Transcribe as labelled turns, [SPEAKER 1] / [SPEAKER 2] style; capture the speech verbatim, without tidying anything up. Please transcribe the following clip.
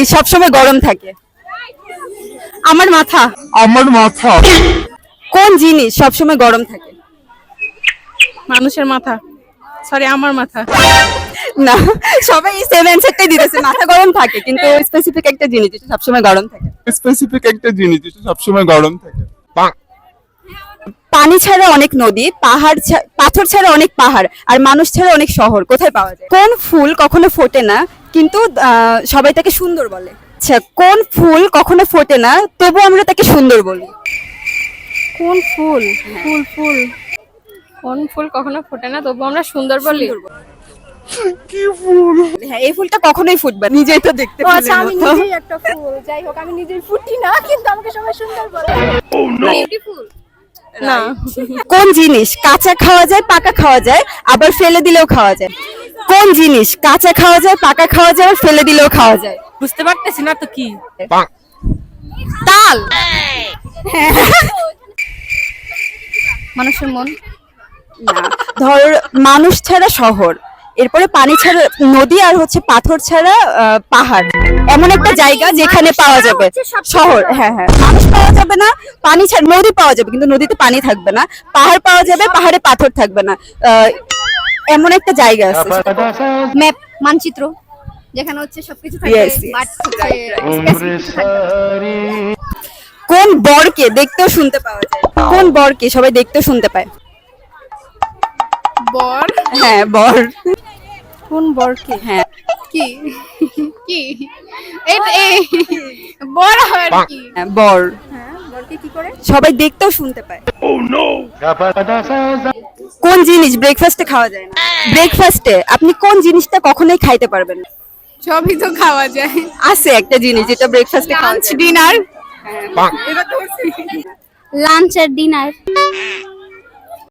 [SPEAKER 1] জিনিস সবসময় গরম থাকে?
[SPEAKER 2] আমার মাথা।
[SPEAKER 3] আমার মাথা।
[SPEAKER 1] কোন জিনিস সবসময় গরম থাকে?
[SPEAKER 2] মানুষের মাথা। সরি, আমার মাথা।
[SPEAKER 1] না, সবাই সেম অ্যানসারটাই দিতেছে, মাথা গরম থাকে, কিন্তু স্পেসিফিক একটা জিনিস যেটা সবসময় গরম থাকে।
[SPEAKER 3] স্পেসিফিক একটা জিনিস যেটা সবসময় গরম থাকে।
[SPEAKER 1] পানি ছাড়া অনেক নদী, পাহাড় ছা- পাথর ছাড়া অনেক পাহাড়, আর মানুষ ছাড়া অনেক শহর, কোথায় পাওয়া যায়? কোন ফুল কখনো ফোটে না কিন্তু আহ, সবাই তাকে সুন্দর বলে? আচ্ছা, কোন ফুল কখনো ফোটে না তবু আমরা তাকে সুন্দর বলি?
[SPEAKER 2] কোন ফুল? ফুল ফুল কোন ফুল কখনো ফোটে না তবু আমরা সুন্দর বলি?
[SPEAKER 3] কি ফুল?
[SPEAKER 1] হ্যাঁ, এই ফুলটা কখনোই ফুটবে না। নিজেই তো দেখতে
[SPEAKER 4] ও আচ্ছা, আমি
[SPEAKER 1] ফুলের মতো।
[SPEAKER 4] নিজেই একটা ফুল। যাই হোক, আমি নিজেই ফুটি না, কিন্তু আমাকে সবাই সুন্দর বলে।
[SPEAKER 2] বিউটিফুল না।
[SPEAKER 1] কোন জিনিস কাঁচা খাওয়া যায়, পাকা খাওয়া যায়, আবার ফেলে দিলেও খাওয়া যায়? কোন জিনিস কাঁচা খাওয়া যায়, পাকা খাওয়া যায়, আর ফেলে দিলেও খাওয়া যায়?
[SPEAKER 2] বুঝতে পারতেছি না তো কি।
[SPEAKER 1] তাল।
[SPEAKER 4] মানুষের মন।
[SPEAKER 1] না, ধর মানুষ ছাড়া শহর, এরপরে পানি ছাড়া নদী, আর হচ্ছে পাথর ছাড়া আহ, পাহাড়, এমন একটা জায়গা যেখানে পাওয়া যাবে শহর। হ্যাঁ হ্যাঁ, মানুষ পাওয়া যাবে না, পানি ছাড়া নদী পাওয়া যাবে কিন্তু নদীতে পানি থাকবে না, পাহাড় পাওয়া যাবে, পাহাড়ে পাথর থাকবে না, আহ, এমন একটা জায়গা আছে।
[SPEAKER 4] ম্যাপ, মানচিত্র, যেখানে হচ্ছে সবকিছু থাকে,
[SPEAKER 1] Yes, yes.
[SPEAKER 4] বাট হচ্ছে specific থাকে।
[SPEAKER 1] কোন বরকে দেখতেও শুনতে পাওয়া যায়? কোন বরকে সবাই দেখতেও শুনতে পায়?
[SPEAKER 2] বর।
[SPEAKER 1] হ্যাঁ, বর।
[SPEAKER 2] কোন বরকে?
[SPEAKER 1] হ্যাঁ,
[SPEAKER 2] কি কি এটা এই বড় হয় কি?
[SPEAKER 1] হ্যাঁ, বর
[SPEAKER 4] হ্যাঁ, বলতে কি করে?
[SPEAKER 1] সবাই দেখতেও শুনতে পায়। কোন জিনিস ব্রেকফাস্টে খাওয়া যায় না? ব্রেকফাস্টে আপনি কোন জিনিসটা কখনোই খাইতে পারবেন না?
[SPEAKER 2] সবই তো খাওয়া যায়।
[SPEAKER 1] আছে একটা জিনিস যেটা ব্রেকফাস্টে খাওয়া
[SPEAKER 2] লাঞ্চ
[SPEAKER 1] যায়।
[SPEAKER 2] ডিনার।
[SPEAKER 4] লাঞ্চ আর ডিনার।